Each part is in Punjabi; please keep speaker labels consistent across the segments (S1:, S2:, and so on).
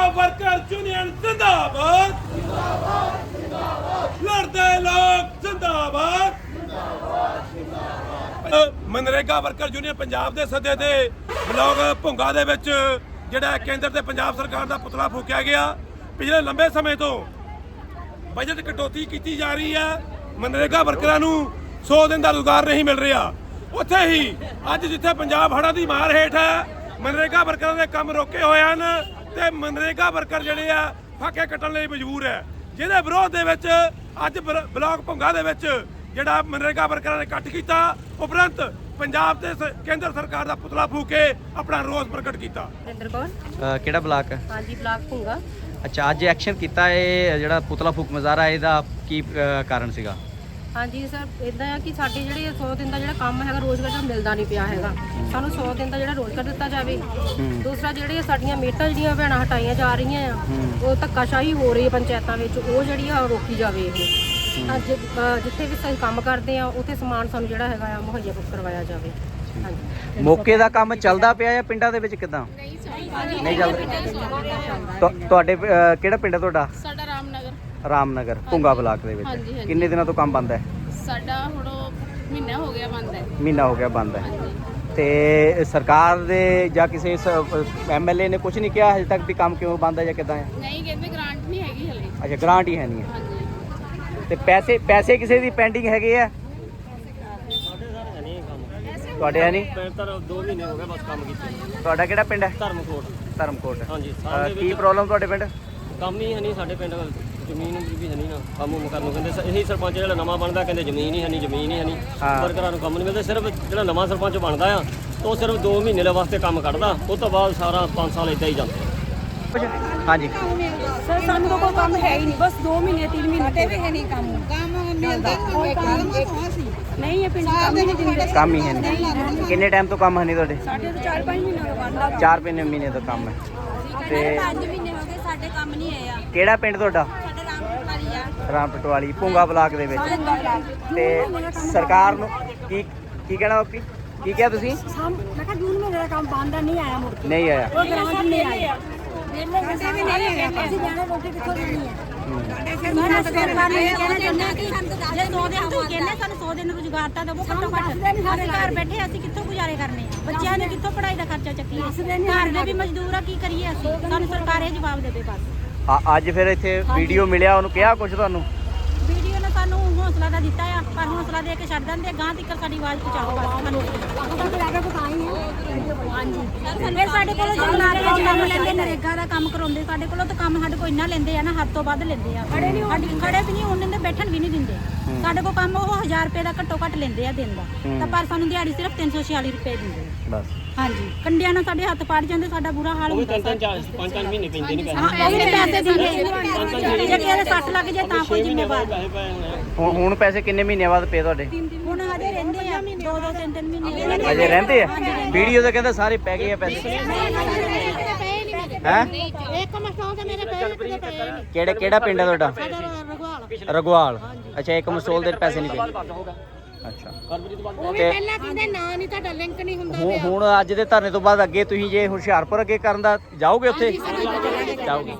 S1: वर्कर्स यूनियन जिंदाबाद लड़ते लोग जिंदाबाद मनरेगा वर्कर यूनियन पंजाब के सदे ते ब्लॉक भुंगा दे विच जिहड़ा केंद्र ते पंजाब सरकार का पुतला फूकिया गया। पिछले लंबे समय तो बजट कटौती की जा रही है। मनरेगा वर्करां नूं 100 दिन का रोजगार नहीं मिल रहा। उत्थे ही अज जिथे पंजाब हड़ां दी मार हेठ है मनरेगा वर्करां दे काम रोके हुए हैं ते मनरेगा वर्कर जिहड़े आ फाके कट्टण लई मजबूर है, जिहदे विरोध दे विच अज ब्लॉक भुंगा दे विच जिहड़ा मनरेगा वर्करां ने इकट्ठ कीता, उपरंत पंजाब ते केंद्र सरकार का पुतला फूक के अपना रोष प्रकट किया।
S2: ਕਿਹੜਾ ਬਲਾਕ ਹੈ?
S3: हाँ जी ब्लॉक भुंगा।
S2: ਅੱਛਾ, ਅੱਜ ਐਕਸ਼ਨ ਕੀਤਾ ਇਹ ਜਿਹੜਾ ਪੁਤਲਾ ਫੂਕ ਮੁਜ਼ਾਹਰਾ ਇਹਦਾ ਕੀ ਕਾਰਨ ਸੀਗਾ?
S3: हाँ जी सर इदा है कि साढ़े ਜਿਹੜੇ 100 दिन का ਜਿਹੜਾ ਕੰਮ ਹੈਗਾ ਰੋਜ਼ਗਾਰ ਦਾ ਮਿਲਦਾ ਨਹੀਂ ਪਿਆ ਹੈਗਾ। ਸਾਨੂੰ 100 ਦਿਨ ਦਾ ਜਿਹੜਾ ਰੋਜ਼ਗਾਰ ਦਿੱਤਾ ਜਾਵੇ। ਦੂਸਰਾ ਜਿਹੜੇ ਸਾਡੀਆਂ ਮੇਟਾਂ ਜਿਹੜੀਆਂ ਭੈਣਾਂ ਹਟਾਈਆਂ ਜਾ ਰਹੀਆਂ ਆ ਉਹ ਧੱਕਾਸ਼ਾਹੀ ਹੋ ਰਹੀ ਹੈ ਪੰਚਾਇਤਾਂ ਵਿੱਚ, ਉਹ ਜਿਹੜੀ ਆ ਰੋਕੀ ਜਾਵੇ। ਇਹ ਅੱਜ ਜਿੱਥੇ ਵੀ ਅਸੀਂ ਕੰਮ ਕਰਦੇ ਆ ਉੱਥੇ ਸਮਾਨ ਸਾਨੂੰ ਜਿਹੜਾ ਹੈਗਾ ਆ ਮੁਹੱਈਆ ਕਰਵਾਇਆ ਜਾਵੇ। ਹਾਂਜੀ,
S2: ਮੌਕੇ ਦਾ ਕੰਮ ਚੱਲਦਾ ਪਿਆ ਜਾਂ ਪਿੰਡਾਂ ਦੇ ਵਿੱਚ ਕਿਦਾਂ? ਨਹੀਂ ਚੱਲਦਾ। ਤੁਹਾਡੇ ਕਿਹੜਾ ਪਿੰਡ ਹੈ ਤੁਹਾਡਾ?
S4: ਸਾਡਾ ਰਾਮਨਗਰ।
S2: ਰਾਮਨਗਰ ਭੁੰਗਾ ਬਲਾਕ ਦੇ ਵਿੱਚ। ਕਿੰਨੇ ਦਿਨਾਂ ਤੋਂ ਕੰਮ ਬੰਦ ਹੈ?
S4: ਸਾਡਾ ਹੁਣ ਮਹੀਨਾ ਹੋ ਗਿਆ ਬੰਦ ਹੈ।
S2: ਮਹੀਨਾ ਹੋ ਗਿਆ ਬੰਦ ਹੈ। ਤੇ ਸਰਕਾਰ ਦੇ ਜਾਂ ਕਿਸੇ ਐਮਐਲਏ ਨੇ ਕੁਝ ਨਹੀਂ ਕਿਹਾ ਹਜੇ ਤੱਕ ਵੀ ਕੰਮ ਕਿਉਂ ਬੰਦ ਹੈ ਜਾਂ ਕਿਦਾਂ ਹੈ?
S4: ਨਹੀਂ, ਕਹਿੰਦੇ ਗ੍ਰਾਂਟ ਨਹੀਂ ਹੈਗੀ ਹਲੇ।
S2: ਅੱਛਾ, ਗ੍ਰਾਂਟ ਹੀ ਹੈ ਨਹੀਂ ਹੈ।
S4: ਹਾਂਜੀ।
S2: ਤੇ ਪੈਸੇ ਕਿਸੇ ਦੀ ਪੈਂਡਿੰਗ ਹੈਗੇ ਆ? ਤੁਹਾਡੇ ਹੈ ਨਹੀਂ?
S5: ਤਾਂ 2 ਮਹੀਨੇ ਹੋ ਗਏ ਬਸ ਕੰਮ ਕੀਤੇ।
S2: ਤੁਹਾਡਾ ਕਿਹੜਾ ਪਿੰਡ ਹੈ? ਧਰਮਕੋਟ।
S5: ਹਾਂਜੀ,
S2: ਕੀ ਪ੍ਰੋਬਲਮ ਤੁਹਾਡੇ ਪਿੰਡ?
S5: ਕੰਮ ਹੀ ਹੈ ਨਹੀਂ ਸਾਡੇ ਪਿੰਡ, ਜ਼ਮੀਨ ਵੀ ਹੈ ਨਹੀਂ ਨਾ ਕੰਮ ਕਰਨ ਨੂੰ। ਕਹਿੰਦੇ ਇਹੀ ਸਰਪੰਚ ਜਿਹੜਾ ਨਵਾਂ ਬਣਦਾ ਕਹਿੰਦੇ ਜ਼ਮੀਨ ਹੀ ਹੈ ਨਹੀਂ। ਵਰਕਰਾਂ ਨੂੰ ਕੰਮ ਨਹੀਂ ਮਿਲਦਾ। ਸਿਰਫ ਜਿਹੜਾ ਨਵਾਂ ਸਰਪੰਚ ਬਣਦਾ ਆ ਉਹ ਸਿਰਫ 2 ਮਹੀਨੇ ਦੇ ਵਾਸਤੇ ਕੰਮ ਕੱਢਦਾ, ਉਸ ਤੋਂ ਬਾਅਦ ਸਾਰਾ 5 ਸਾਲ ਇੱਦਾਂ ਹੀ ਜਾਂਦਾ।
S2: ਹਾਂਜੀ
S3: ਸਰ ਸਾਨੂੰ ਤਾਂ ਕੋਈ ਕੰਮ ਹੈ ਹੀ ਨਹੀਂ, ਬਸ 2 ਮਹੀਨੇ 3 ਮਹੀਨੇ ਵੀ ਹੈ ਨਹੀਂ ਕੰਮ ਮਿਲਦਾ। ਨਹੀਂ ਇਹ ਪਿੰਡ ਕੰਮ ਹੀ ਨਹੀਂ ਦਿੰਦੇ।
S2: ਕੰਮ ਹੀ ਹੈ ਨਹੀਂ। ਕਿੰਨੇ ਟਾਈਮ ਤੋਂ ਕੰਮ ਹੈ ਨਹੀਂ ਤੁਹਾਡੇ?
S3: ਸਾਡੇ ਤਾਂ 4-5 ਮਹੀਨੇ ਹੋ ਗਏ ਬੰਦ।
S2: 4 ਮਹੀਨੇ ਤੋਂ ਕੰਮ ਹੈ। ਤੇ
S3: 5 ਮਹੀਨੇ ਹੋ ਗਏ ਸਾਡੇ ਕੰਮ ਨਹੀਂ ਆਇਆ।
S2: ਕਿਹੜਾ ਪਿੰਡ ਤੁਹਾਡਾ?
S3: ਸਾਡਾ ਰਾਮਪੁਰਵਾਲੀ ਆ।
S2: ਰਾਮਪਟਵਾਲੀ ਭੁੰਗਾ ਬਲਾਕ ਦੇ ਵਿੱਚ। ਤੇ ਸਰਕਾਰ ਨੂੰ ਕੀ ਕਹਿਣਾ ਬਾਪੀ? ਕੀ ਕਿਹਾ ਤੁਸੀਂ?
S3: ਮੈਂ ਕਿਹਾ ਜੂਨ ਮਹੀਨੇ ਦਾ ਕੰਮ ਬੰਦ ਨਹੀਂ ਆਇਆ ਮੁੜ ਕੇ।
S2: ਨਹੀਂ ਆਇਆ।
S3: ਉਹ ਗ੍ਰਾਂਟ ਨਹੀਂ ਆਇਆ। ਅਸੀਂ ਜਾਣਾ ਰੋਟੀ ਕਿੱਥੋਂ ਦੇਣੀ ਹੈ? ਮੈਂ ਸਰਕਾਰ ਨੂੰ ਇਹ ਕਹਿਣਾ ਚਾਹੁੰਦਾ ਕਿ ਜੇ 100 ਦਿਨ ਤੋਂ ਕਹਿੰਦੇ ਸਾਨੂੰ 100 ਦਿਨ ਰੁਜ਼ਗਾਰ ਤਾਂ ਦੇਵੋ ਘੱਟੋ ਘੱਟ। ਅਸੀਂ ਘਰ ਬੈਠੇ ਅਸੀਂ ਕਿੱਥੋਂ ਗੁਜ਼ਾਰੇ ਕਰਨੇ ਆ? ਬੱਚਿਆਂ ਨੇ ਕਿੱਥੋਂ ਪੜ੍ਹਾਈ ਦਾ ਖਰਚਾ ਚੱਕੀਏ? ਘਰ ਦੇ ਵੀ ਮਜ਼ਦੂਰ ਆ, ਕੀ ਕਰੀਏ ਅਸੀਂ? ਸਾਨੂੰ ਸਰਕਾਰ ਇਹ ਜਵਾਬ ਦੇਵੇ ਬਸ।
S2: ਅੱਜ ਫਿਰ ਇੱਥੇ ਵੀਡੀਓ ਮਿਲਿਆ, ਉਹਨੂੰ ਕਿਹਾ ਕੁਝ ਤੁਹਾਨੂੰ?
S3: ਵੀਡੀਓ ਨੇ ਸਾਨੂੰ ਹੌਸਲਾ ਤਾਂ ਦਿੱਤਾ ਆ, ਪਰ ਹੌਸਲਾ ਦੇ ਕੇ ਛੱਡ ਦਿੰਦੇ। ਗਾਂ ਤੱਕ ਸਾਡੀ ਆਵਾਜ਼ ਪਹੁੰਚਾਓ ਬਸ ਸਾਨੂੰ। ਹਾਂਜੀ, ਫਿਰ ਸਾਡੇ ਕੋਲੋਂ ਜੋ ਕੰਮ ਲੈਂਦੇ ਨਰੇਗਾ ਦਾ ਕੰਮ ਕਰਾਉਂਦੇ ਸਾਡੇ ਕੋਲੋਂ, ਤਾਂ ਕੰਮ ਸਾਡੇ ਕੋਲ ਇੰਨਾ ਲੈਂਦੇ ਆ ਨਾ, ਹੱਦ ਤੋਂ ਵੱਧ ਲੈਂਦੇ ਆ। ਖੜੇ ਵੀ ਨਹੀਂ ਹੋਣ ਦਿੰਦੇ, ਬੈਠਣ ਵੀ ਨਹੀਂ ਦਿੰਦੇ। ਸਾਡੇ ਕੋਲ ਕੰਮ ਉਹ 1000 ਰੁਪਏ ਦਾ ਘੱਟੋ ਘੱਟ ਲੈਂਦੇ ਆ ਦਿਨ ਦਾ, ਤਾਂ ਪਰ ਸਾਨੂੰ ਦਿਹਾੜੀ ਸਿਰਫ 346 ਰੁਪਏ ਦਿੰਦੇ ਆ
S2: ਬਸ।
S3: ਹਾਂਜੀ, ਕੰਡਿਆਂ ਨਾਲ ਸਾਡੇ ਹੱਥ ਪਾੜ ਜਾਂਦੇ, ਸਾਡਾ ਬੁਰਾ ਹਾਲ ਹੁੰਦਾ।
S5: 5-5 ਮਹੀਨੇ ਪੈਂਦੇ ਨਹੀਂ ਪੈਸੇ।
S3: ਉਹ ਵੀ ਨਹੀਂ ਪੈਸੇ ਦਿੰਦੇ। ਜੇ ਕਿਸੇ ਦੇ ਸੱਟ ਲੱਗ ਜਾਏ ਤਾਂ ਕੋਈ ਜ਼ਿੰਮੇਵਾਰ।
S2: ਹੁਣ ਪੈਸੇ ਕਿੰਨੇ ਮਹੀਨੇ ਬਾਅਦ ਪਏ ਤੁਹਾਡੇ?
S3: ਹੁਣ ਹਜੇ ਰਹਿੰਦੇ ਆ 2-2 3-3 ਮਹੀਨੇ
S2: ਅਜੇ ਰਹਿੰਦੇ ਆ? ਵੀਡੀਓ ਤਾਂ ਕਹਿੰਦਾ ਸਾਰੇ ਪੈ ਗਏ ਆ ਪੈਸੇ। ਹੈ ਕਿਹੜਾ ਪਿੰਡ ਹੈ ਤੁਹਾਡਾ? ਰਗਵਾਲ। ਅੱਛਾ, ਇੱਕ ਮਸੋਲ ਦੇ ਪੈਸੇ ਨਹੀਂ ਪਏ। ਅੱਛਾ,
S4: ਉਹ ਵੀ ਪਹਿਲਾਂ ਕਹਿੰਦੇ ਨਾ ਨਹੀਂ ਤੁਹਾਡਾ ਲਿੰਕ ਨਹੀਂ ਹੁੰਦਾ।
S2: ਹੁਣ ਅੱਜ ਦੇ ਧਰਨੇ ਤੋਂ ਬਾਅਦ ਅੱਗੇ ਤੁਸੀਂ ਜੇ ਹੁਸ਼ਿਆਰਪੁਰ ਅੱਗੇ ਕਰਨ ਦਾ ਜਾਓਗੇ? ਉੱਥੇ ਜਾਓਗੇ?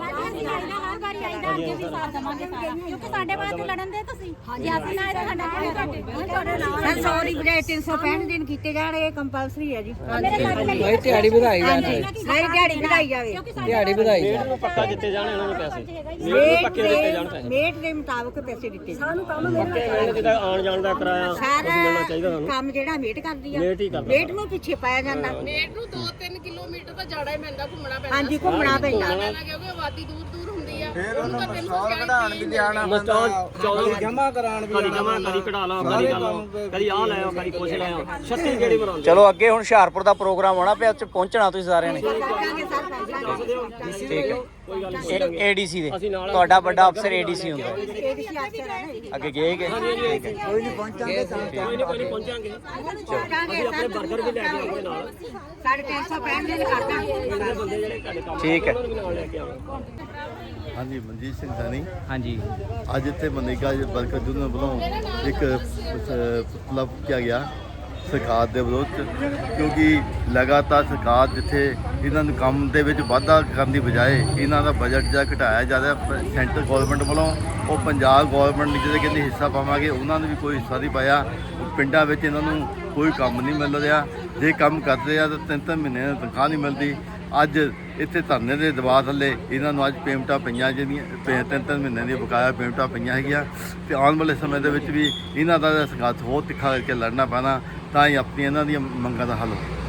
S3: ਕਿਉਂਕਿ ਸਾਡੇ ਵਾਸਤੇ ਲੜਨ ਦੇ ਤੁਸੀਂ। ਹਾਂਜੀ, ਅਸੀਂ ਨਾ ਇਹ ਸਾਡਾ ਸਰ ਸੌਰੀ ਬਜਾਏ 365 ਦਿਨ ਕੀਤੇ ਜਾਣ, ਇਹ ਕੰਪਲਸਰੀ ਹੈ ਜੀ।
S6: ਭਾਈ ਦਿਹਾੜੀ ਵਧਾਈ ਜਾਵੇ।
S3: ਨਹੀਂ ਦਿਹਾੜੀ ਵਧਾਈ ਜਾਵੇ।
S6: ਦਿਹਾੜੀ ਵਧਾਈ ਜਾਵੇ।
S5: ਪੱਕਾ ਦਿੱਤੇ ਜਾਣ ਇਹਨਾਂ ਨੂੰ ਪੈਸੇ, ਮੇਟ ਪੱਕੇ ਦਿੱਤੇ ਜਾਣ ਪੈਸੇ।
S3: ਮੇਟ ਦੇ ਮੁਤਾਬਕ ਪੈਸੇ ਦਿੱਤੇ ਸਾਨੂੰ ਕੰਮ
S5: ਪੱਕੇ ਜਿਹਦਾ ਆਉਣ ਜਾਣ ਦਾ ਕਿਰਾਇਆ ਕੁਝ ਮਿਲਣਾ ਚਾਹੀਦਾ ਸਾਨੂੰ।
S3: ਕੰਮ ਜਿਹੜਾ ਮੇਟ ਕਰਦੀ ਆ,
S5: ਮੇਟ ਹੀ ਕਰਦਾ।
S3: ਮੇਟ ਨੂੰ ਪਿੱਛੇ ਪਾਇਆ ਜਾਂਦਾ।
S4: ਨੇਟ ਨੂੰ 2-3 ਕਿਲੋਮੀਟਰ ਤਾਂ ਜਾਣਾ ਹੀ ਪੈਂਦਾ, ਘੁੰਮਣਾ ਪੈਂਦਾ।
S3: ਹਾਂਜੀ, ਘੁੰਮਣਾ ਪੈਂਦਾ
S4: ਕਿਉਂਕਿ ਆਬਾਦੀ ਦੂਰ ਹੁੰਦੀ ਆ।
S6: ਕਢਾਣ ਵੀ ਜਾਣਾ ਜਮਾ ਕਰਾਣ ਵੀ
S5: ਕਦੀ ਜਮਾ ਕਦੀ ਕਢਾ ਲਾ, ਕਦੀ ਆਹ ਲੈ ਆਓ, ਕਦੀ ਕੁਛ ਲੈ ਆਓ। 36 ਜਿਹੜੀ ਬਣਾਉਂਦੇ।
S2: ਚਲੋ ਅੱਗੇ ਹੁਣ ਹੁਸ਼ਿਆਰਪੁਰ ਦਾ ਪ੍ਰੋਗਰਾਮ ਆਉਣਾ ਪਿਆ, ਉੱਚ ਪਹੁੰਚਣਾ ਤੁਸੀਂ ਸਾਰਿਆਂ ਨੇ। ਠੀਕ ਹੈ। ਏਡੀਸੀ ਦੇ ਤੁਹਾਡਾ ਵੱਡਾ ਅਫਸਰ ਏਡੀਸੀ ਹੁੰਦਾ ਅੱਗੇ ਗਏ ਕਿ?
S6: ਕੋਈ ਨਹੀਂ ਪਹੁੰਚਾਂਗੇ ਤਾਂ
S5: ਕੋਈ ਨਹੀਂ ਪਹੁੰਚਾਂਗੇ। ਅਸੀਂ ਆਪਣੇ 버ਗਰ ਵੀ ਲੈ ਕੇ ਆਉਂਦੇ ਨਾਲ।
S3: 365 ਦਿਨ ਕਰਦਾ।
S5: ਬੰਦੇ ਜਿਹੜੇ ਤੁਹਾਡੇ ਕੰਮ
S2: ਠੀਕ ਹੈ।
S5: ਨਾਲ ਲੈ ਕੇ ਆਵਾਂਗੇ।
S7: ਹਾਂਜੀ, ਮਨਜੀਤ ਸਿੰਘ ਸਾਨੀ।
S2: ਹਾਂਜੀ,
S7: ਅੱਜ ਇੱਥੇ ਮਨਰੇਗਾ ਵਰਕਰ ਯੂਨੀਅਨ ਵੱਲੋਂ ਇੱਕ ਪੁਤਲਾ ਫੂਕਿਆ ਗਿਆ ਸਰਕਾਰ ਦੇ ਵਿਰੋਧ 'ਚ, ਕਿਉਂਕਿ ਲਗਾਤਾਰ ਸਰਕਾਰ ਜਿੱਥੇ ਇਹਨਾਂ ਨੂੰ ਕੰਮ ਦੇ ਵਿੱਚ ਵਾਧਾ ਕਰਨ ਦੀ ਬਜਾਏ ਇਹਨਾਂ ਦਾ ਬਜਟ ਜਿਹੜਾ ਘਟਾਇਆ ਜਾ ਰਿਹਾ ਸੈਂਟਰ ਗੌਰਮੈਂਟ ਵੱਲੋਂ, ਉਹ ਪੰਜਾਬ ਗੌਰਮੈਂਟ ਜਿਹੜੇ ਕਹਿੰਦੇ ਹਿੱਸਾ ਪਾਵਾਂਗੇ ਉਹਨਾਂ ਨੇ ਵੀ ਕੋਈ ਹਿੱਸਾ ਨਹੀਂ ਪਾਇਆ। ਪਿੰਡਾਂ ਵਿੱਚ ਇਹਨਾਂ ਨੂੰ ਕੋਈ ਕੰਮ ਨਹੀਂ ਮਿਲ ਰਿਹਾ, ਜੇ ਕੰਮ ਕਰਦੇ ਆ ਤਾਂ 3-3 ਮਹੀਨੇ ਦੀ ਤਨਖਾਹ ਨਹੀਂ ਮਿਲਦੀ। ਅੱਜ ਇੱਥੇ ਧਰਨੇ ਦੇ ਦਬਾਅ ਥੱਲੇ ਇਹਨਾਂ ਨੂੰ ਅੱਜ ਪੇਮੈਂਟਾਂ ਪਈਆਂ, ਜਿਹੜੀਆਂ 3-3 ਮਹੀਨੇ ਦੀਆਂ ਬਕਾਇਆ ਪੇਮੈਂਟਾਂ ਪਈਆਂ ਹੈਗੀਆਂ, ਤੇ ਆਉਣ ਵਾਲੇ ਸਮੇਂ ਦੇ ਵਿੱਚ ਵੀ ਇਹਨਾਂ ਦਾ ਸੰਘਰਸ਼ ਹੋਰ ਤਿੱਖਾ ਕਰਕੇ ਲੜਨਾ ਪੈਣਾ, ਤਾਂ ਹੀ ਆਪਣੀਆਂ ਇਹਨਾਂ ਦੀਆਂ ਮੰਗਾਂ ਦਾ ਹੱਲ